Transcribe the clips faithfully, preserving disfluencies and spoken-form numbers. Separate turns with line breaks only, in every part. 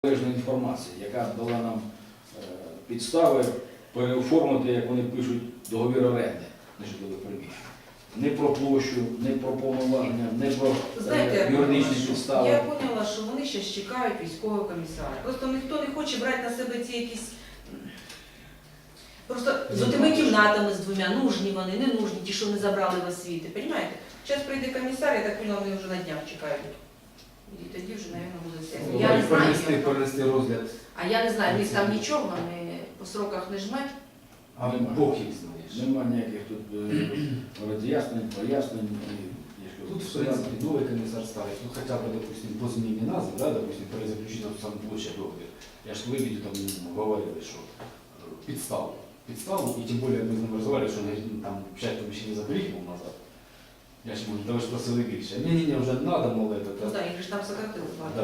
Належної інформації, яка дала нам е, підстави переоформити, як вони пишуть, договір оренди на житлове приміщення. Не про площу, не про повноваження, не про
Знаєте,
е, юридичні підстави.
Я поняла, що вони ще чекають військового комісара. Просто ніхто не хоче брати на себе ці якісь... Просто з тими кімнатами з двома, нужні вони, не нужні, ті, що не забрали в освіти. Розумієте? Зараз прийде комісар, я так поняла, вони вже на днях чекають. І тоді вже, мабуть, буде сесія. Я не знаю.
Перенести, перенести розгляд.
А я не знаю, в них там нічого, вони по сроках не жмуть.
А Бог їх знає.
Нема ніяких тут е, роз'яснень, пояснень.
Тут, в принципе, новый комиссар ставит, ну хотя бы, допустим, по зміні назви, да, допустим, перезаключити сам площа договір. Я ж виведу там, говорили, що підставу. Підставу, і тим більше ми з ним розмовляли, що ну, там п'ять поміщень заберіть мов назад. Я ж можу, ви ж просили більше. Ні-ні-ні, вже надо, мол, это.
Ну так, їх ж там сократили.
Да.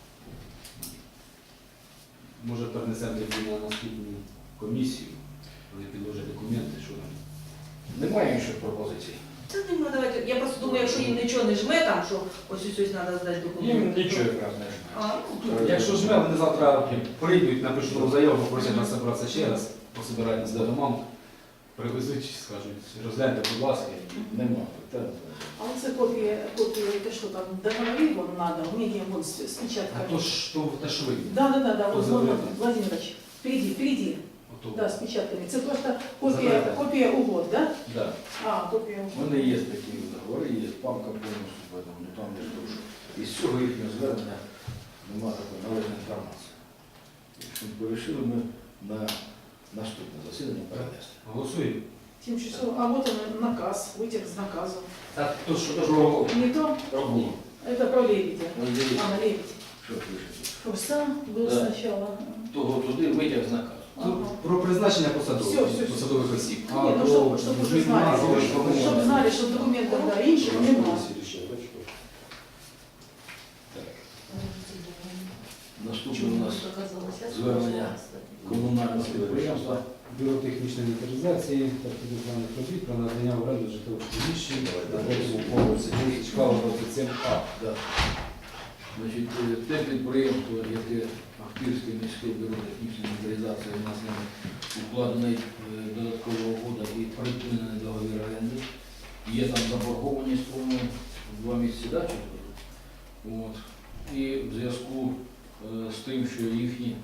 Може перенесемо тоді на наступну комісію, вони підложать документи, що там.
Немає інших пропозицій.
Це не можна давати. Я просто думаю, якщо їм нічого не жме, там, що ось ось ось треба здати
Їм
документи.
нічого якраз не
А,
жме.
ну,
Якщо жме, вони завтра прийдуть, напишуть нову заяву, попросять нас зібратися ще раз, пособирають нас до домам, привезуть, скажуть, розгляньте, будь ласка.
Нема. Та,
А вот это копия, копия, это что там, договорить вам надо, у меня вон с, с
А
печатками.
то ж, то, те ж ви.
Да, да, да, да,
Кто
вот
забрал?
Владимир Владимирович, впереди, впереди,
Ото.
да, с печатками. Это просто копия,
Забрали.
копия угод, да?
Да.
А, копия
У
угод.
мене є такі договори, є памка повністю, поэтому, ну там я скажу, що із цього їхнього звернення немає такої належної інформації. Якщо ми вирішили, ми на наступне засідання перенести.
Голосуємо.
семь часов. А вот он наказ, вытек с наказом.
А то що, то що?
Не то,
Пробуємо.
это про лебедя.
Ось дивіться,
А, на лебедь.
що пишете.
Просто был
Да.
сначала.
Того туди витяг з наказу.
Тут про призначення посадових,
Всё, всё, всё.
посадових осіб.
Ні, ну, щоб- щоб уже
зміни
знали,
назви,
щоб-
формування.
Чтобы знали, что документов да, інших нема.
Наступне у нас звернення комунального підприємства.
Бюро технічної інвентаризації та підвізних робіт про надання в оренду житлових приміщень на третьому поверсі Чкалова двадцять сім А.
Да. Значить, е, те підприємство, яке Ахтирське міське бюро технічної інвентаризації, у нас нами укладений е, додаткова угода і припинений договір оренди. Є там заборгованість, по-моєму, два місяці дачі. От. І в зв'язку е, з тим, що їхні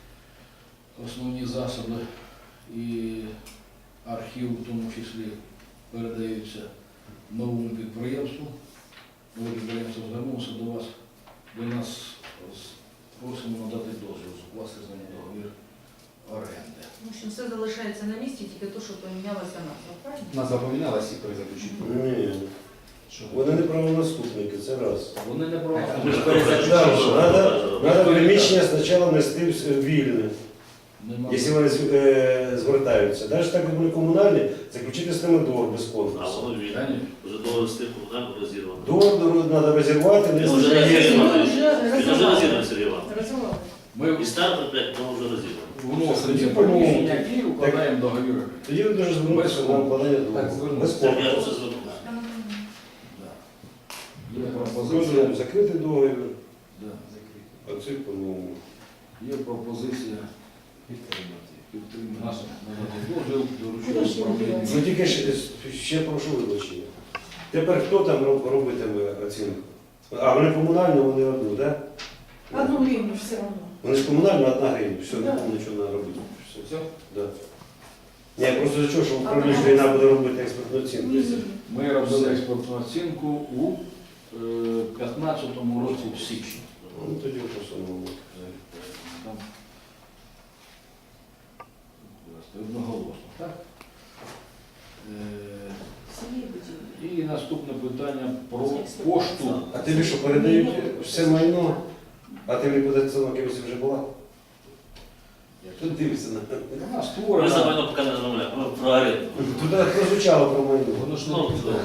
основні засоби і архів, в тому числі, передаються новому підприємству. Нове підприємство звернулося до вас. Ви нас з- просимо надати дозвіл укласти з ними договір оренди.
В общем, все залишається на місці, тільки то, що помінялася назва. Правильно?
Назва помінялась і перезаключити.
Ні,
Що?
вони не правонаступники, це раз.
Вони не про
Ми ж
Треба приміщення спочатку нести в вільне,
Нема.
якщо вони з- е, звертаються. Навіть так, як вони комунальні, заключити з ними договор без
А
конкурсу.
воно вільне.
Конечно.
Вже договор з тим комунальним розірвано.
Договор треба розірвати,
Він
не
вже
є.
розірвано.
Уже
Він вже
разорвали.
розірвано, Сергій Іванович.
Разорвали.
Ми
І старт проект, воно вже розірвано.
вносимо ці приміщення і укладаємо договір оренди.
Тоді ви дуже звернутися на укладання
Так,
договору.
звернутися.
Без
Я вже
конкурсу.
звернувся.
Да. Є
Згоджуємо
пропозиція.
закрити договір,
Да.
а цей по-новому.
Є пропозиція
Підтримати.
підтримати
Наша.
надати дозвіл
Куди
доручити
ж
управління.
він
Ну тільки ще, ще прошу вибачення. Тепер хто там роб- робитиме оцінку? А вони комунальні, вони одну, так? Да?
Одну гривну все равно.
Вони ж комунальні, одна гривня. Все,
Да.
нікому нічого не треба робити. Все.
Все?
Да. Ні, просто за чого, що управління війна буде робити експертну оцінку.
Ні-ні.
Ми робили експортну оцінку у е, п'ятнадцятому році в січні.
Ну тоді просто ну,
Там одноголосно, так? Е,
Сергій Будівлі.
І наступне питання про пошту.
а тобі що, передають все майно, а ти мені податкова комісія вже була? Тут дивишся на
Вона
Ми за
створена.
майно поки не розмовляємо, ми про оренду.
туди прозвучало про майно.
Воно ж не
Ну,
підтримує.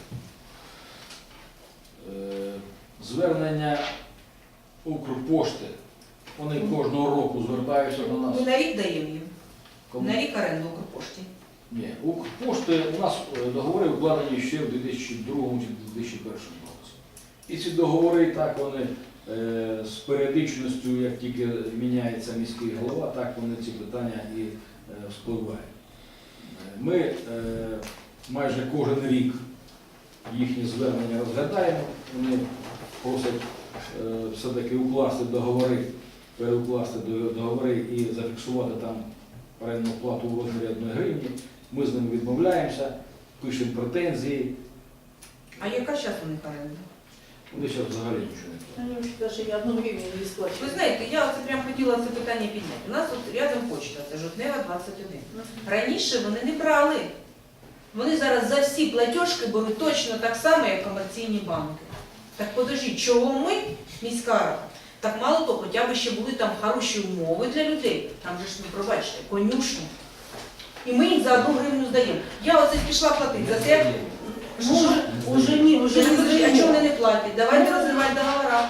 Е, Звернення Укрпошти. Вони кожного року звертаються до нас.
Ми на рік даємо їм.
Кому?
На рік оренду Укрпошті.
Ні, Укрпошти у нас е, договори укладені ще в дві тисячі другому чи дві тисячі першому році. І ці договори так вони е, з періодичністю, як тільки міняється міський голова, так вони ці питання і е, вспливають. Е, Ми е, майже кожен рік їхні звернення розглядаємо, вони просять е, все-таки укласти договори, переукласти до- договори і зафіксувати там орендну плату у розмірі одної гривні. Ми з ними відмовляємося, пишемо претензії.
А яка зараз у них оренда?
Вони зараз взагалі нічого не платять.
Они вообще даже ни одну гривну не
Ви
сплачивают.
знаєте, я оце прям хотіла це питання підняти. У нас от рядом почта, це Жовтнева двадцять один. Раніше вони не брали. Вони зараз за всі платіжки беруть точно так само, як комерційні банки. Так подождіть, чого ми, міська рада? Так мало того, хоча б ще були там хороші умови для людей. Там же ж, ну пробачте, конюшні. І ми їм за одну гривню здаємо. Я оце пішла платити за це.
Ну, уже, уже не, уже
Вже
не
не подожди, а чого
заменяют.
вони не платять? Давайте розривати договора.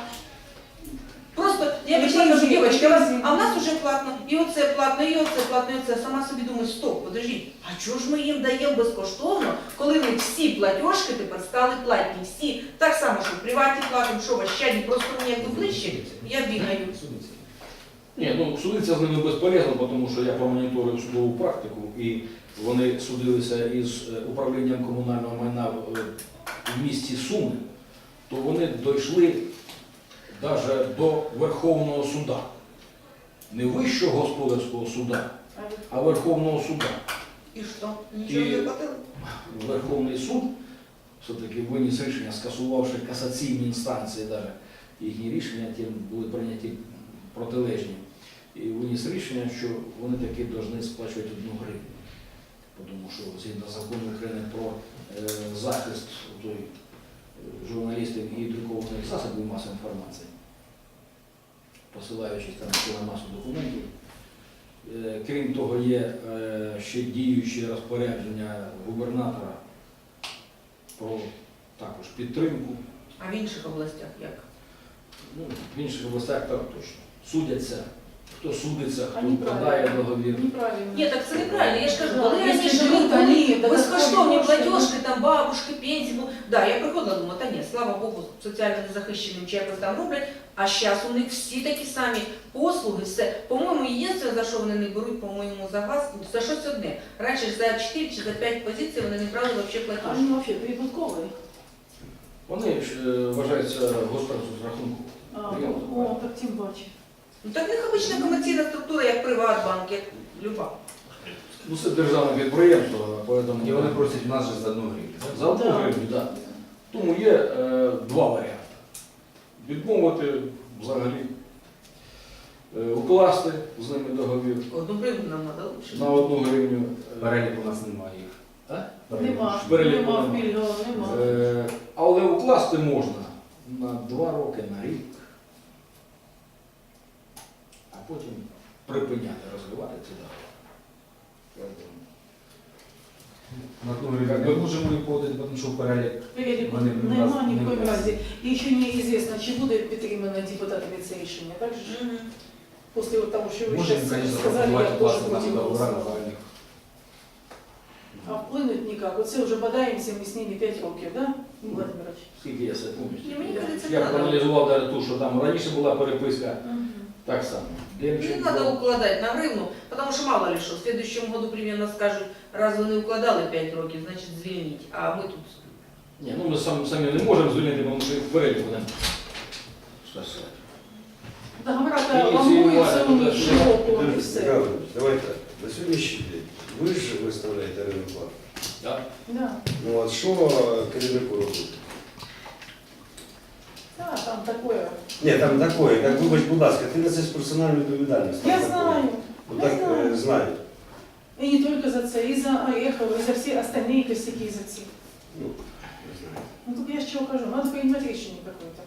Просто я
Ну,
пішла, кажу,
пенсії,
дівчатки, а вас-
пенсії.
а в нас вже платно, і оце платно, і оце платно, і оце. Сама собі думаю, стоп, подождіть, а чого ж ми їм даємо безкоштовно, коли ми всі платіжки тепер стали платні, всі. Так само, що в приваті платимо, що в Ощаді, просто мені якби ближче, я бігаю.
Ні, ну судитися з ними безполезно, тому що я промоніторив судову практику, і вони судилися із е, управлінням комунального майна в, е, в місті Суми, то вони дійшли навіть до Верховного суда. Не Вищого господарського суда, а Верховного суда.
І що? Нічого
І-
не платили?
Верховний суд все-таки виніс рішення, скасувавши касаційні інстанції, навіть їхні рішення ті були прийняті протилежні. І виніс рішення, що вони таки повинні сплачувати одну гривню. Тому що згідно закону України про е, захист той, е, журналістів і друкованих засобів масової інформації, посилаючись там на масу документів. Е, Крім того, є е, ще діючі розпорядження губернатора про також підтримку.
А в інших областях як?
Ну, в інших областях так точно. Судяться, хто судиться, хто
Они
вкладає
правильно.
договір.
Неправильно.
Ні, так це неправильно. Я ж кажу,
Да,
коли
якщо
раніше
живуть,
були
вони
безкоштовні
додаткові
платіжки, там бабушки, пенсії, бу- да, я приходила, думаю, та ні, слава Богу, соціально незахищеним чи якось там роблять, а зараз у них всі такі самі послуги, все. По-моєму, єдине, за що вони не беруть, по-моєму, за газ, за щось одне. Раніше ж за чотири чи за п'ять позицій вони не брали взагалі платіжки.
Они вообще прибутковые.
Вони ж, е, вважаються господарством з рахунку.
А,
Приятно.
о, так тем паче.
Ну так в них обична комерційна структура, як Приватбанк, як люба.
Ну, це державне підприємство, поэтому
І вони просять в нас же за одну гривню.
за одну
Да.
гривню, так. Тому є е, два варіанти. Відмовити взагалі, е, укласти з ними договір
Одну гривню нам треба лучше.
на одну гривню. е,
Перелік у нас немає їх.
А?
Перелік.
Нема,
Переліку
нема
нема.
пільгового, нема.
Е, Але укласти можна на два роки, на рік, а потім припиняти розривати ці договори.
На одну гривню ми можемо їх подати, тому що в перелік
Переліку
Вони не
нема
власні,
ні в
не
коїм
власні.
разі. І ще неізвісно, чи буде підтримано депутатами це рішення. Так же ж?
Мгм.
Після того, що ви
можемо,
зараз
звісно,
сказали, я
запропонувати
теж
власне
проти
наші договори на
голосувала.
загальних.
А вплинуть ніяк. Оце вже бодаємося ми з ними п'ять років, так, да, Владимирович?
Скільки я себе
Ні,
пам'ятаю.
мені кажеться,
Я
треба.
проаналізував навіть ту, що там раніше була переписка,
Мгм.
так само.
Не
Демченко.
надо укладать на гривну, потому что мало ли что, в следующем году примерно скажут, раз вы не укладали пять років, значит звільніть, а ми тут.
Ні, ну ми сам, самі не можемо звільнити, тому що їх вперед будемо стосувати.
Договора-то
Ініціювати
ламуються
туди,
у
сюди.
широко і
Михайло
все.
Михайлович, давай так. На сьогоднішній день ви ж виставляєте орендну плату.
Так?
Да.
Ну от що керівнику робити?
Да, там такое.
Ні, там такое, як вибач, будь ласка, ти несеш персональну відповідальність.
Я
Там такое.
знаю.
Ну
Я
так
знаю.
е, знаю.
И не только за це, и за Орехова, и за все остальные косяки за ці.
Ну, не знаю.
Ну тут я ж чего кажу, надо принимать решение какое-то.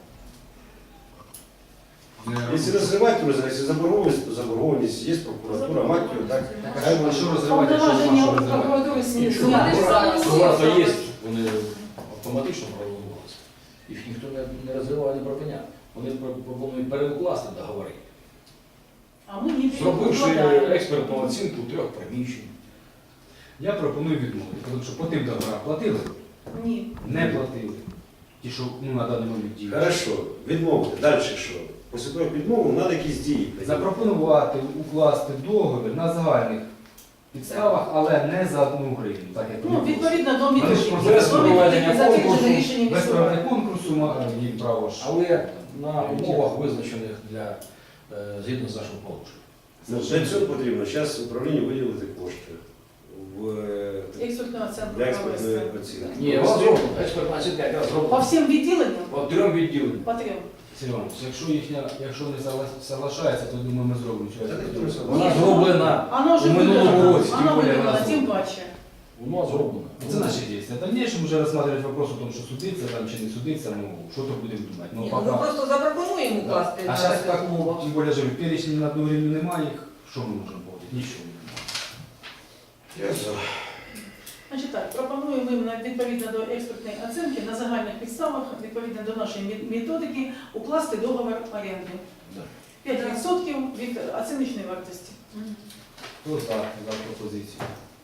Якщо розривати, то розривати. Якщо заборгованість, то заборгованість. Є прокуратура, мать його, так. Хай
А
вони-
що розривати, якщо нема
Повноваження
що
у
розривати?
прокуратури
Нічого.
зняти.
Договори є, вони автоматично проголосувалися. Їх ніхто не, не розривав, не припиняв. Вони про- пропонують переукласти договори,
А ми не
зробивши
перекладаємо.
експертну оцінку трьох приміщень.
Я пропоную відмовити, тому що по тим договорам платили,
Ні.
не платили. ті, що ну, на даний момент діють.
Хорошо, відмовити. Далі що? Після того, як відмовив, треба якісь дії прийняти.
Запропонувати укласти договір на загальних підставах, але не за одну гривню, так як
Ну,
вони
відповідно до
Вони ж
методики.
просто
без
До
проведення
методики затверджено
конкурсу,
рішенням
без
міської
проведення
ради.
конкурсу ма- їм право ж.
Але на умовах, визначених для е, згідно з нашим положенням.
Ну, для цього потрібно зараз управлінню виділити кошти в е,
Експертного центру
для експертної
провести.
оцінки.
Ні, вона зроблена, експертна оцінка якраз
По
зроблена.
всім відділенням?
По трьом відділенням.
По трьом.
Сергій Іванович, якщо їхня, якщо не согла- соглашається, то думаю, ми зробимо цю
Та ніхто не
експертизу.
Вона
Ні,
зроблена,
Оно вже
У минулому
виділено.
році, тим
Оно
більше
виділено,
вона
тим
зроблена.
паче.
воно зроблено.
Це наші дії. В дальнейшем вже розглядати вопрос о том, що судиться там чи не судиться, ну що то будемо думати. Ну,
Ні, ну, ми
пока...
просто запропонуємо
Да.
укласти
А
на
зараз
таких
так,
умовах.
тим більше, живу, перечні на одну гривню немає їх, що ми можемо поводити? Нічого не немає.
Я за.
Значить так, пропонуємо їм на- відповідно до експертної оцінки на загальних підставах, відповідно до нашої мет- методики, укласти договір оренди.
Да.
п'ять відсотків від оціночної вартості.
Мгм.
Хто за, за пропозицію?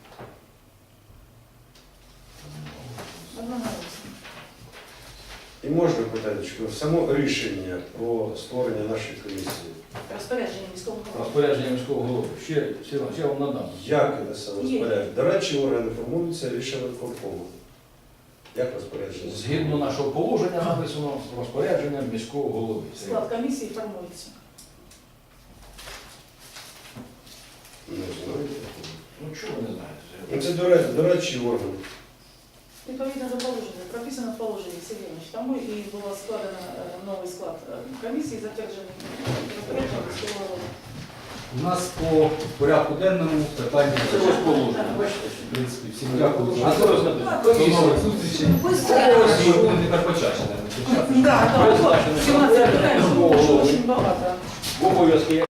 Одноголосно.
І можна питати, само рішення про створення нашої комісії,
Розпорядження міського голови.
Розпорядження міського голови. Ще, ще, ще вам надам.
як це саме
Є.
розпорядження? До речі, органи формуються рішення виконкому. Як розпорядження?
Згідно нашого положення написано розпорядження міського голови.
Склад комісії формується.
Не знаю.
Ну чого ви не знаєте?
Ну, це дорадчий, дорадчий орган.
Відповідно до положення, прописано в положенні Сергій Іванович, тому і було складено е, новий склад е, комісії, затверджений розпорядженням міського голови.
У нас по порядку денному питання.
Це ось положення.
В
Бачите?
принципі, всім дякую.
А це розглядаємо.
До нових зустрічей.
Быстрее.
Ми будемо тепер почаще, наверное, зустрічатися.
Да, так,
Призначено
сімнадцять питань,
міського голови.
дуже багато.
Обов'язки